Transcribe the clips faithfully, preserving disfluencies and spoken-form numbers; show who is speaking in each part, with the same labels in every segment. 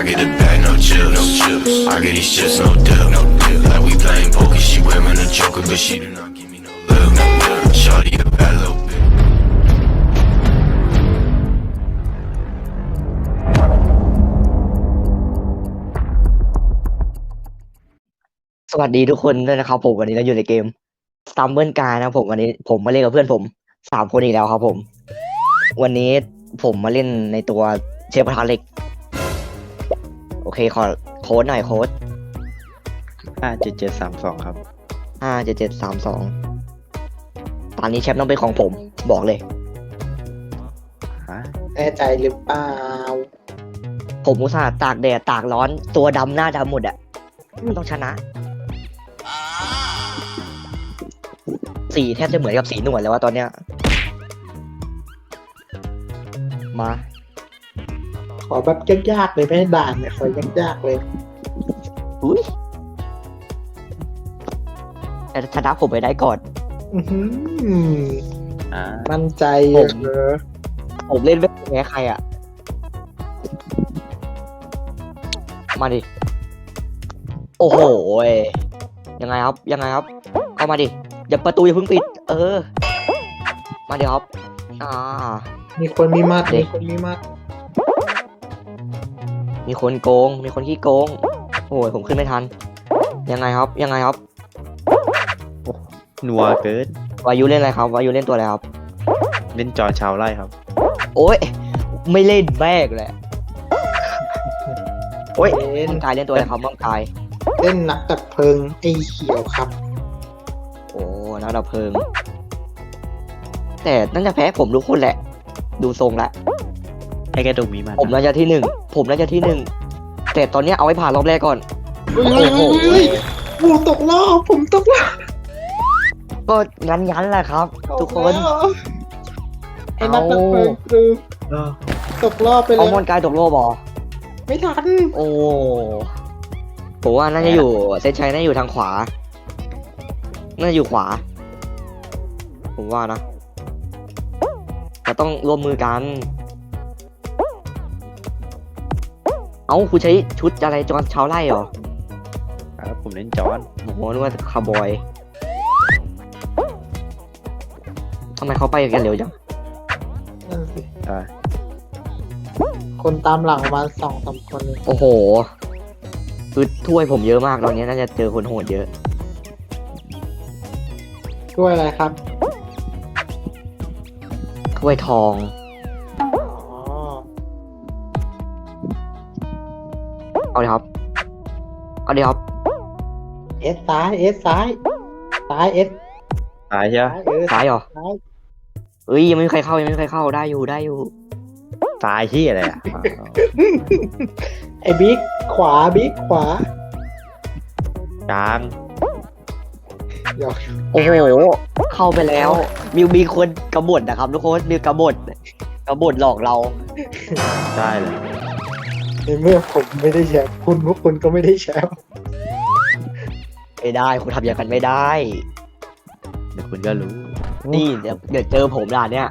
Speaker 1: get a bag, no chips, no chips. I get these chips, no dip, no dip. Like we playing poker, she wearing a joker, but she do not give me no love, no love. Shawty a bad little bitch.
Speaker 2: สวัสดีทุกคนด้วยนะครับผมวันนี้เราอยู่ในเกม Stumble Guys นะครับผมวันนี้ผมมาเล่นกับเพื่อนผมสามคนอีกแล้วครับผม วันนี้ผมมาเล่นในตัวเชฟกระทะเหล็ก โอเคขอโค้ดหน่อยโค้ด
Speaker 3: ห้าเจ็ดเจ็ดสามสองครับ
Speaker 2: ห้าเจ็ดเจ็ดสามสองตอนนี้แชมป์ต้องเป็นของผมบอกเลย
Speaker 3: ฮะ
Speaker 4: แน่ใจหรือเปล่า
Speaker 2: ผมอุตส่าห์ตากแดดตากร้อนตัวดำหน้าดำหมดอะมันต้องชนะ สีแทบจะเหมือนกับสีหนวดแล้วว่าตอนเนี้ย มา
Speaker 4: ขอแบบยากๆเลยไม่ให้ด่านเนี่ยขอยากๆเลย
Speaker 2: อุ้ยแต่ชนะผมไปได้ก่อน
Speaker 4: อื้อหือ
Speaker 3: อ่า
Speaker 4: มั่นใจ
Speaker 2: ผม
Speaker 4: เหรอ
Speaker 2: ผมเล่นไม่แพ้ใครอ่ะ มาดิ โอ้โหยยังไงครับ ยังไงครับ เข้ามาดิ อย่าประตูอย่าเพิ่งปิด เออ มาดิครับ อ่า
Speaker 4: มีคนมีมัด
Speaker 2: เด็
Speaker 4: มี
Speaker 2: ก
Speaker 4: คนมีมัด
Speaker 2: มีคนโกง มีคนขี้โกง โอ้ยผมขึ้นไม่ทัน ยังไงครับ ยังไงครับ
Speaker 3: นัวเกิน
Speaker 2: วายุเล่นอะไรครับ วายุเล่นตัวอะไรครับ
Speaker 3: เล่นจอชาวไร่ครับ
Speaker 2: โอ้ย ไม่เล่นแม่กเลยโอ้ย
Speaker 4: เล่น
Speaker 2: มังกายเล่นตัวอะไรครับมังกาย
Speaker 4: เล่นนักดับเพลิงไอ้เขียวครับ
Speaker 2: โอ้นักดับเพลิง แต่น่าจะแพ้ผมทุกคนแหละ ดูทรงแล้ว
Speaker 3: ให้แกดูมีมัน
Speaker 2: ผมน่าจะที่หนึ่ง ผมน่าจะที่หนึ่ง แต่ตอนเนี้ยเอาไว้ผ่านรอบแรกก่อน
Speaker 4: เฮ้ย
Speaker 2: โอ้โห
Speaker 4: เฮ้ยผมตกรอบผมตกรอบ
Speaker 2: ก็งั้นงั้นๆแหละครับ ทุกคน
Speaker 4: ไอ้นักดับเพลิงคือ
Speaker 3: เออ
Speaker 4: ตกรอบไปเล
Speaker 2: เอา
Speaker 4: ย
Speaker 2: มอนกายตกโลบอ
Speaker 4: ไม่ทัน
Speaker 2: โอ้ผมว่าน่าจะอยู่เซนชัยน่าจะอยู่ทางขวา น่าจะอยู่ขวา ผมว่านะเราต้องร่วมมือกัน เอ้าคุณใช้ชุดอะไรจอนชาวไร่เหรอ
Speaker 3: ครับผมเล่นจอน
Speaker 2: โอ้โหนึกว่าคาร์บอยทำไมเขาไปกันเร็วจัง
Speaker 4: นั่นสิ
Speaker 3: อ่า
Speaker 4: คนตามหลังประมาณสองสามคนเลย
Speaker 2: โอ้โหคือถ้วยผมเยอะมากตอนนี้น่าจะเจอคนโหดเยอะ
Speaker 4: ด้วยอะไรครับ
Speaker 2: ถ้วยทอง
Speaker 4: อ๋อ
Speaker 2: เอาเลยครับ เอาเลยครับ
Speaker 4: เอสซ้ายเอสซ้ายซ้ายเอส
Speaker 3: ตายใช่ไหม
Speaker 4: ซ้ายเออ
Speaker 2: ซ้ายเหรอ
Speaker 4: ซ้าย
Speaker 2: เอ้ยยังไม่มีใครเข้ายังไม่มีใครเข้าได้อยู่ได้อยู่
Speaker 3: ตายที่อะไรอ่ะ
Speaker 4: ไอ้บิ๊กขวาบิ๊กขวาก
Speaker 3: ลาง
Speaker 4: หยอก
Speaker 2: โอ้โห เข้าไปแล้ว มีมีคนกบฏนะครับทุกคนมีกบฏกบฏหลอกเรา
Speaker 3: ได้เลย
Speaker 4: ในเมื่อผมไม่ได้แชมป์คุณพวกคุณก็ไม่ได้แชมป์
Speaker 2: ไม่ได้คุณทำอย่างกันไม่ได้
Speaker 3: เดี๋ยวคุณก็รู้
Speaker 2: นี่เดี๋ยวเดี๋ยวเจอผมด่านเนี้ย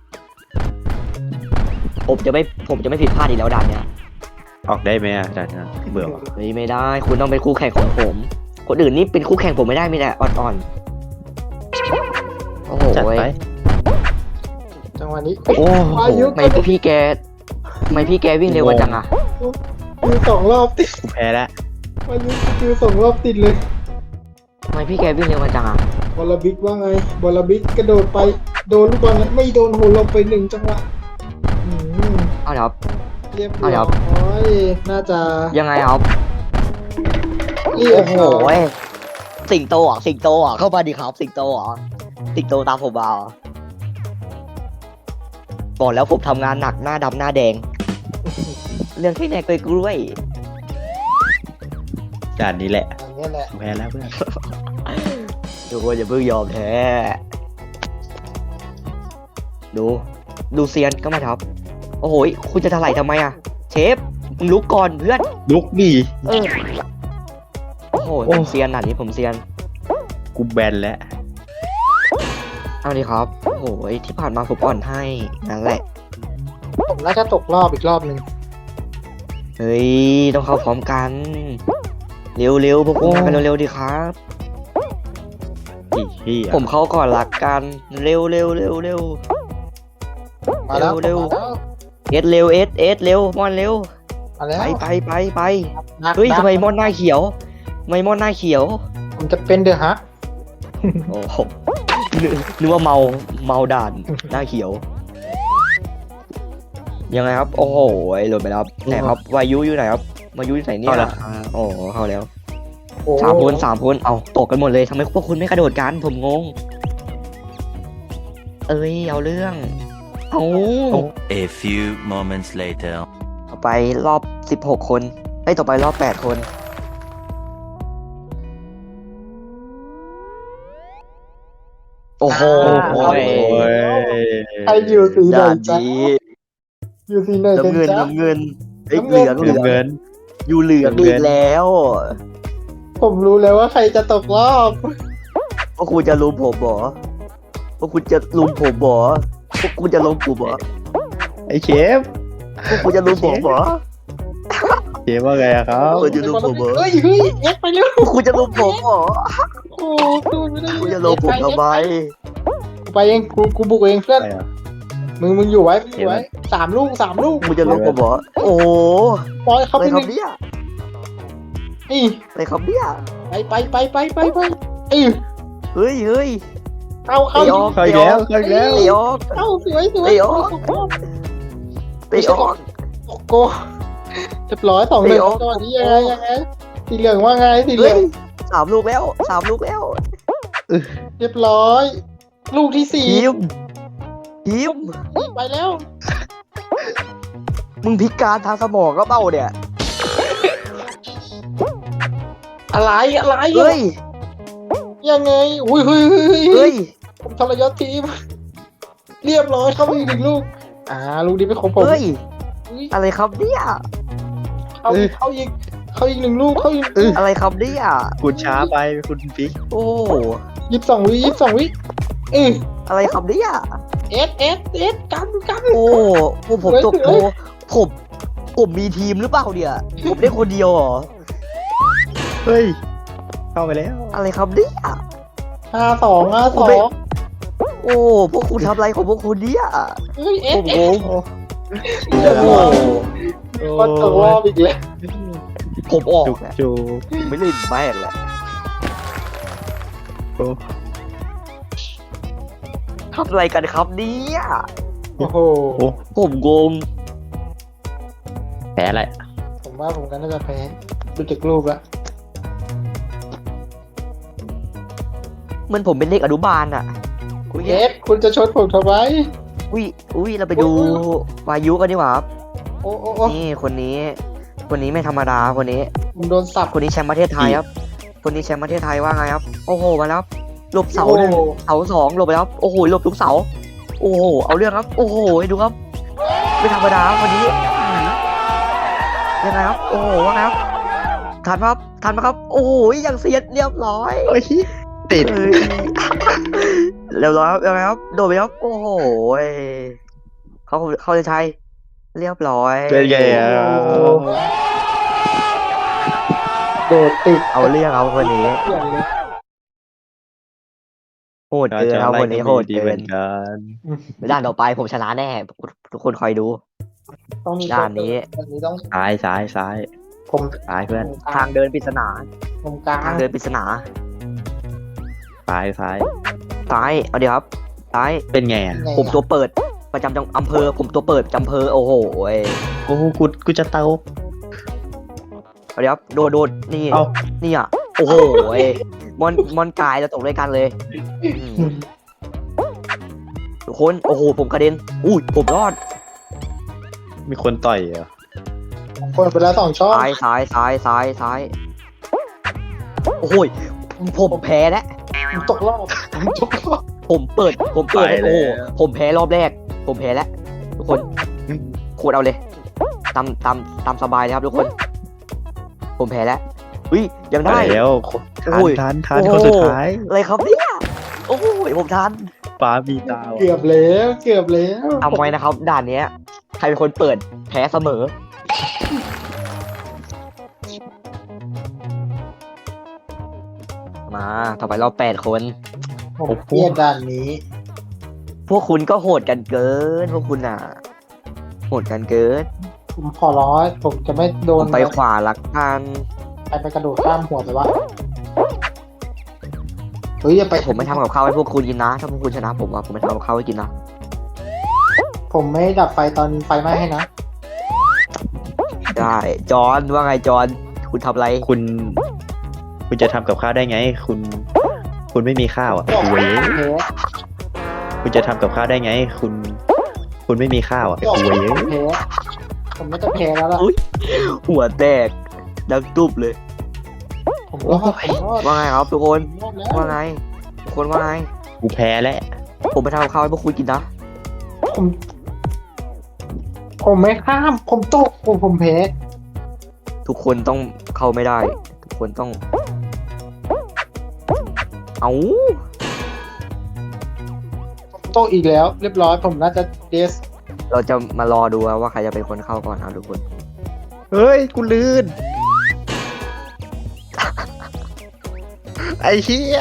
Speaker 2: ผมจะไม่ผมจะไม่ผิดพลาดอีกแล้วด่านเนี้ย
Speaker 3: ออกได้ไหมอ่ะจากนั้นเบื่อว่ะ
Speaker 2: เฮ้ยไม่ได้ คุณต้องเป็นคู่แข่งของผม คนอื่นนี่เป็นคู่แข่งผมไม่ได้มีแต่อ่อนๆโอ้โห
Speaker 3: จัดไป
Speaker 4: จังหวะนี้
Speaker 2: โอ้โห
Speaker 4: วายุ
Speaker 2: ทำไมพี่แกทำไมพี่แกวิ่งเร็วกว่าจังอะ
Speaker 4: คือสองรอบติด
Speaker 3: กูแพ้แล้ว
Speaker 4: วายุคือสองรอบติดเลย
Speaker 2: ทำไมพี่แกวิ่งเร็วกว่าจังอะ
Speaker 4: บอลบิ๊กว่าไงบอลบิ๊กกระโดดไปโดนลูกบอลนั้นไม่โดนโหลงไปหนึ่งจังหวะอืม
Speaker 2: เอาเดี๋ยวครับ
Speaker 4: เรียบ
Speaker 2: เอาเดี๋
Speaker 4: ร้
Speaker 2: ยว
Speaker 4: อยน่าจะ
Speaker 2: ยังไงครับ
Speaker 4: เรีย
Speaker 2: โอ้
Speaker 4: บ
Speaker 2: โห
Speaker 4: ร้อย
Speaker 2: สิงโตอ่ะสิงโตอ่ะเข้ามาดิครับ สิงโตอ่ะสิงโตตามผมมาเหรอบอกแล้วผมทำงานหนักหน้าดำหน้าแดง เรื่องที่ไหนกล้วย
Speaker 3: ด่านนี้แหละ
Speaker 4: อย่างเงี้ยแหละ
Speaker 3: กูแพ้แล้วเพื่อน
Speaker 2: ๆทุกคนอย่าเพิ่งยอมแพ้ดู ดูเซียนก็มาครับ โอ้โหคุณจะถลายทำไมอ่ะ เชฟมึงลุกก่อนเพื่อน
Speaker 3: ลุกดี
Speaker 2: เออโอ้โห
Speaker 3: โอ้
Speaker 2: ผมเซียนหนาดนี้ผมเซียน
Speaker 3: กูแบนแล้ว
Speaker 2: เอาดิครับ โอ้โหที่ผ่านมาผมอ่อนให้นั่นแหละ
Speaker 4: ผมน่าจะตกรอบอีกรอบหนึ่ง
Speaker 2: เฮ้ยต้องเข้าพร้อมกันเร็วๆพวกคุณมากันเร็วๆดีครับ
Speaker 3: อีเหี้ย
Speaker 2: ผมเข้าก่อนละกันเร็วเร็วเร็วเร็ว
Speaker 4: มาแล้ว
Speaker 2: เร็ว
Speaker 4: มาแล้ว
Speaker 2: เอสเร็วเอสเอสเร็วมอนเร็ว
Speaker 4: มาแล้ว
Speaker 2: ไปไปไปไป
Speaker 4: นัก
Speaker 2: เฮ้ย
Speaker 4: นัก
Speaker 2: ทำไมมอนหน้าเขียวทำไมมอนหน้าเขียว
Speaker 4: ผมจะเป็นเดอะฮัก
Speaker 2: โอ้โหนึกนึกว่าเมาเมาด่านหน้าเขียว ยังไงครับ โอ้โหโหลดไปแล้วครับไหนครับวายุอยู่ไหนครับวายุอยู่ไหนเนี่ย
Speaker 3: เข้าแล้ว
Speaker 2: โอ้โหเข้าแล้ว
Speaker 4: โอ้
Speaker 2: สามคนสามคนเอาตกกันหมดเลยทำไมพวกคุณไม่กระโดดกันผมงง เอ้ยเอาเรื่องเอา
Speaker 5: A few moments later.
Speaker 2: ต่อไปรอบสิบหกคนเอ้ยต่อไปรอบแปดคน โอ้โห
Speaker 3: โอ้ย
Speaker 4: ใครอยู่สีไหน
Speaker 2: ด่าน
Speaker 4: จ๊ะ
Speaker 2: นี้
Speaker 4: อยู่สีไหนกัน
Speaker 2: น้ำเงิน
Speaker 4: จ๊ะ
Speaker 2: น้ำเงินเอ้ย
Speaker 4: น้ำ
Speaker 2: เห
Speaker 4: เงิน
Speaker 2: ลืองเหลือง
Speaker 3: เงิน
Speaker 2: อยู่เหลือง
Speaker 3: น้ำเงิ
Speaker 2: อี
Speaker 3: น
Speaker 2: กแล้ว
Speaker 4: ผมรู้แล้วว่าใครจะตกรอบ
Speaker 2: พวกคุณจะลุมผมเหรอพวกคุณจะลุมผมเหรอพวกคุณจะลุมผมเหรอ
Speaker 3: ไอ้เชฟ
Speaker 2: พวกคุณจะลุมผมเหรอ
Speaker 3: เชฟว่าไงอะครับ
Speaker 2: เออจะลุมผมเหรอ
Speaker 4: เฮ้ยเฮ้ยเอ็กไปเร็ว
Speaker 2: พวกคุณจะลุมผมเหรอ
Speaker 4: โอ้ดูไม่ได้
Speaker 2: คุณจะลุมผมทำไม
Speaker 4: กูไปเองกูกูบุกเองเพื่อน
Speaker 3: อะไรอะ
Speaker 4: มึงมึงอยู่ไว้มึงอยู่ไว้สามลูกสามลูก
Speaker 2: คุณจะลุมผมเหรอโอ้โห
Speaker 4: ปล่อยเขา
Speaker 2: อะไร
Speaker 4: ไปห
Speaker 2: ครับ
Speaker 4: นึ่ง
Speaker 2: เนี่ย
Speaker 4: นี่
Speaker 2: อะไรครับเนี่ย
Speaker 4: ไปไปไปไปไปไปเอ้ย
Speaker 2: เฮ้ยเฮ้ย
Speaker 4: เข้าเข้า
Speaker 2: ไอ้ออก
Speaker 3: เข้าอีกแล้วเข้าอีกแล้ว
Speaker 2: ไอ้ออก
Speaker 4: เข้าสวยสวย
Speaker 2: ไอ้ออก ไปออก
Speaker 4: โอ้โกเรียบร้อยสองหนึ่ง
Speaker 2: ไอ้ออก
Speaker 4: จังหวะนี้ยังไงยังไงสีเหลืองว่าไงสีเหลื
Speaker 2: เฮ้
Speaker 4: อย ง
Speaker 2: สามลูกแล้วสามลูกแล้ว
Speaker 4: เรียบร้อย ลูกที่สี่
Speaker 2: ทีมทีม
Speaker 4: ไปแล้ว
Speaker 2: มึงพิการทางสมองก็เปล่าเนี่ย
Speaker 4: อะไรอะไร
Speaker 2: เฮ้ย
Speaker 4: ยังไงอุ้ยเฮ้ยเฮ้ย
Speaker 2: เฮ้
Speaker 4: เฮ้
Speaker 2: ย
Speaker 4: ยผมทรยศทีม เรียบร้อยเข้าไปอีกหนึ่งลูก อ่าลูกนี้เป็นของผม
Speaker 2: เฮ้ย
Speaker 4: อุ๊ย
Speaker 2: อะไรครับเนี่ย
Speaker 4: เข้าอีกเข้าอีกเข้าอีกหนึ่งลูกเข้าอีก
Speaker 2: อะไรครับเนี่ย
Speaker 3: คุณช้าไปคุณปิ๊ก
Speaker 2: โอ้
Speaker 4: ยี่สิบสองวิยี่สิบสองวิเออ
Speaker 2: อะไรครับเนี่ย
Speaker 4: เอสเอสเอสกันกัน
Speaker 2: โอ้โอ้ผมตกโอ้ผมผมมีทีมหรือเปล่าเนี่ยผมได้คนเดียวเหรอ
Speaker 3: เฮ้ย เข้าไปแล้ว
Speaker 2: อะไรครับเนี่ย
Speaker 4: ห้าสองห้าส
Speaker 2: ผม
Speaker 4: อ
Speaker 2: ไม่
Speaker 4: ง
Speaker 2: โอ้พวกคุณทำอะไรของพวกคุณเนี่ย
Speaker 4: เฮ้ยเอ
Speaker 2: ผ
Speaker 4: ส
Speaker 2: ม
Speaker 4: เอง ส
Speaker 2: ง
Speaker 3: โอ้
Speaker 2: โอ้
Speaker 4: ก็ตกรอบอีกแล้ว
Speaker 2: ผมออก
Speaker 3: จุก
Speaker 2: แหละ
Speaker 3: จูก
Speaker 2: ไม่เล่นแม่งแหละ
Speaker 3: โอ้
Speaker 2: ทำอะไรกันครับเนี่ย
Speaker 4: โอ้โห
Speaker 3: โอ้
Speaker 2: ผมงง
Speaker 3: แพ้อะไร
Speaker 4: ผมว่าผมก็น่าจะแพ้ดูจากรูปแล้ว
Speaker 2: เหมันผมเป็นเด็กอนุบาลอะ
Speaker 4: คุณเอสคุณจะชดผมทำไม
Speaker 2: อุ้ยอุ้ยเราไปดู
Speaker 4: อุ๊ยอุ๊ย
Speaker 2: วายุกันดีกว่าครับ
Speaker 4: โอ้โอ้โอ้
Speaker 2: นี่คนนี้ คนนี้ไม่ธรรมดาคนนี้
Speaker 4: ผมโดนสับ
Speaker 2: คนนี้แชมป์ประเทศไทยครับ คนนี้แชมป์ประเทศไทยว่าไงครับ โอ้โหมาแล้วครับหลบเสาหนึ่ง
Speaker 4: โอ้
Speaker 2: เสาสองหลบไปแล้วครับโอ้โหหลบทุกเสา โอ้โหเอาเรื่องครับ โอ้โหให้ดูครับ ไม่ธรรมดาครับวันนี้ยังไงครับ โอ้โหว่าไงครับทันไหมครับทันไหมครับ โอ้โหยังเสียดเรียบร้อย
Speaker 3: โอ้ยติด
Speaker 2: เอ้ยเรียบร้อยครับยังไงครับโดดไปครับโอ้โหเขาเขาจะใช้เรียบร้อย
Speaker 3: เป็นไงอ่ะ
Speaker 4: โดดติด
Speaker 2: เอาเรื่องเอาคนนี้
Speaker 4: เปลี่ยนเลย
Speaker 2: โหดเกินเอาคนนี้โหด
Speaker 3: ดี
Speaker 2: เกิ
Speaker 3: เหมือน นกัน
Speaker 2: ด่านต่อไปผมชนะแน่ทุกคนคอยดู
Speaker 4: ต้องมี
Speaker 2: ด้านนี้
Speaker 4: ด้านนี้ต้อง
Speaker 3: ซ้ายซ้ายซ้าย
Speaker 4: ผม
Speaker 3: ซ้ายเพื่อน
Speaker 2: ทางเดินปริศนา
Speaker 4: ผมกลาง
Speaker 2: ทางเดินปริศนา
Speaker 3: ซ้ายซ้าย
Speaker 2: ซ้ายเอาเดี๋ยวครับซ้าย
Speaker 3: เป็นไงอ่ะ
Speaker 4: ยังไง
Speaker 2: ผมตัวเปิดประจำจังอำเภอ ผมตัวเปิดประจำอำเภอโอ้โหย
Speaker 3: โอ้โหกูกูจะเตา
Speaker 2: เอาเดี๋ยวครับโดดโดดนี่
Speaker 3: เอา
Speaker 2: นี่อ่ะโอ้โหยมอนมอนกายจะตกด้วยกันเลยอืมทุกคนโอ้โหผมกระเด็นอุ้ยผมรอด
Speaker 3: มีคนต่อยเหรอ
Speaker 4: ผมเปิดไปแล้วสองช่อง
Speaker 2: ซ้ายซ้ายซ้ายซ้ายซ้ายโอ้โหยผมแพ้แล้ว
Speaker 4: ผมตกรอบผมตกรอบ
Speaker 2: ผมเปิด ผมเปิดโอ้โหผมแพ้รอบแรก ผมแพ้แล้วทุกคนโคตรเอาเลยตามตามตามสบายเลยครับทุกคน ผมแพ้แล้วอุ้ยยังได้
Speaker 3: แล้วทั
Speaker 2: โอ้
Speaker 3: น
Speaker 2: ย
Speaker 3: ทันทัน
Speaker 2: โอ้
Speaker 3: คนสุดท้าย
Speaker 2: อะไรครับเนี่ยโอ้โหผมทัน
Speaker 3: ฟ้ามีตา
Speaker 4: เกือบแล้วเกือบแล้ว
Speaker 2: จำไว้นะครับ ด่านเนี้ย ใครเป็นคนเปิดแพ้เสมอมาต่อไปเราแปดคน
Speaker 4: ผมเกลียดด่านนี้
Speaker 2: พวกคุณก็โหดกันเกิน พวกคุณอ่ะ โหดกันเกิน
Speaker 4: ผมขอร้อยผมจะไม่โด
Speaker 2: ผ
Speaker 4: น
Speaker 2: มไปขวาลักกัน
Speaker 4: ไปไปกระโดดข้ามหัวไปวะเฮ้ยอย่าไป
Speaker 2: ผมไม่ทำกับข้าวให้พวกคุณกินนะ ถ้าพวกคุณชนะผมอ่ะผมไม่ทำกับข้าวให้กินนะ
Speaker 4: ผมไม่ดับไฟตอนไฟไหม้ให้นะ
Speaker 2: ได้จอห์นว่าไงจอห์นคุณทำอะไร
Speaker 3: คุณ คุณจะทำกับข้าวได้ไง คุณ คุณไม่มีข้าวอ่ะเว้ย
Speaker 4: เฮ้
Speaker 3: คุณจะทำกับข้าวได้ไง คุณ คุณไม่มีข้าวอ่ะเว้ย
Speaker 4: เฮ้ผมน่าจะแพ้แล้วล่ะ
Speaker 2: อุ๊ย หัวแตกดังตุ๊บเลย
Speaker 4: ผมรอดผมรอด
Speaker 2: ว่าไงครับทุกคน
Speaker 4: ผมรอดแล้ว
Speaker 2: ว่าไงทุกคนว่าไง
Speaker 3: กูแพ้แล้ว
Speaker 2: ผมไปทำกับข้าวให้พวกคุณกินนะ
Speaker 4: ผมผมไม่ข้ามผมตกผมผมแพ้
Speaker 2: ทุกคนต้องเข้าไม่ได้ ทุกคนต้อง เอา
Speaker 4: ผมตกอีกแล้ว เรียบร้อยผมน่าจะเดส
Speaker 2: เราจะมารอดูว่าใครจะเป็นคนเข้าก่อนนะทุกคน
Speaker 3: เฮ้ย กูลื่น ไอ้เหี้ย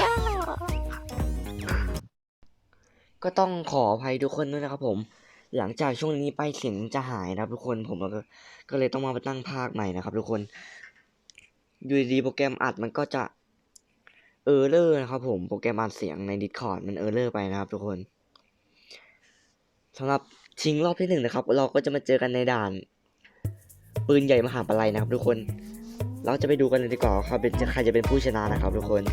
Speaker 2: ก็ต้องขออภัยทุกคนด้วยนะครับผม หลังจากช่วงนี้ไปเสียงจะหายนะครับทุกคนผมก็ก็เลยต้องมาตั้งภาคใหม่นะครับทุกคนอยู่ดีๆโปรแกรมอัดมันก็จะเออร์เลอร์นะครับผมโปรแกรมอัดเสียงใน Discord มันเออร์เลอร์ไปนะครับทุกคนสำหรับชิงรอบที่หนึ่งนะครับ เราก็จะมาเจอกันในด่านปืนใหญ่มหาปลัยนะครับทุกคน เราจะไปดูกันเลยดีกว่าครับเป็นใครจะเป็นผู้ชนะนะครับทุกคน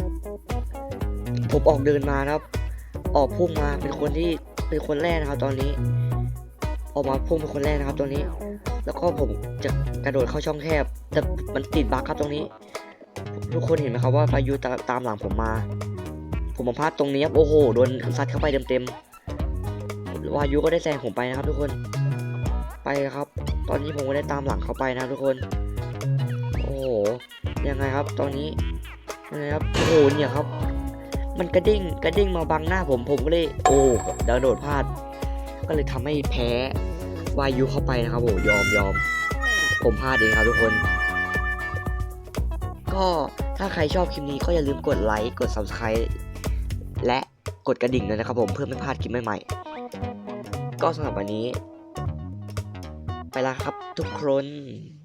Speaker 2: ผมออกเดินมานะครับ ออกพุ่งมาเป็นคนที่เป็นคนแรกนะครับ ตอนนี้ ออกมาพุ่งเป็นคนแรกนะครับตอนนี้ แล้วก็ผมจะกระโดดเข้าช่องแคบแต่มันติดบั๊กครับตรงนี้ ทุกคนเห็นไหมครับว่าพายุตาตามหลังผมมา ผมมาพลาดตรงนี้ครับโอ้โหโดนซัดเข้าไปเต็มๆวายุก็ได้แซงผมไปนะครับ ทุกคนไปครับ ตอนนี้ผมก็ได้ตามหลังเขาไปนะครับทุกคน โอ้โหยังไงครับ ตอนนี้ยังไงครับโอ้โหเนี่ยครับ มันกระดิ่งกระดิ่งมาบังหน้าผมผมก็เลยโอ้ดาวโดดพลาด ก็เลยทำให้แพ้วายุเข้าไปนะครับโอ้ยอมยอมผมพลาดเองครับทุกคน ก็ถ้าใครชอบคลิปนี้ก็อย่าลืมกดไลค์กด ซับสไครบ์ และกดกระดิ่งด้วยนะครับผมเพื่อไม่พลาดคลิปใหม่ๆก็สำหรับวันนี้ ไปแล้วครับทุกคน